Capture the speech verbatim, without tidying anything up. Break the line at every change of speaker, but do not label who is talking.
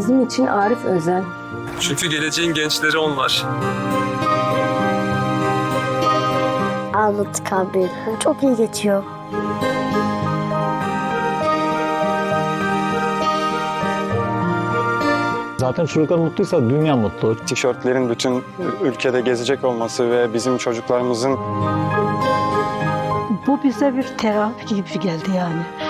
Bizim için Arif özel.
Çünkü geleceğin gençleri onlar.
Anlattık abi. Çok iyi geçiyor.
Zaten çocuklar mutluysa dünya mutlu.
Tişörtlerin bütün ülkede gezecek olması ve bizim çocuklarımızın
Bu bize bir terapi gibi geldi yani.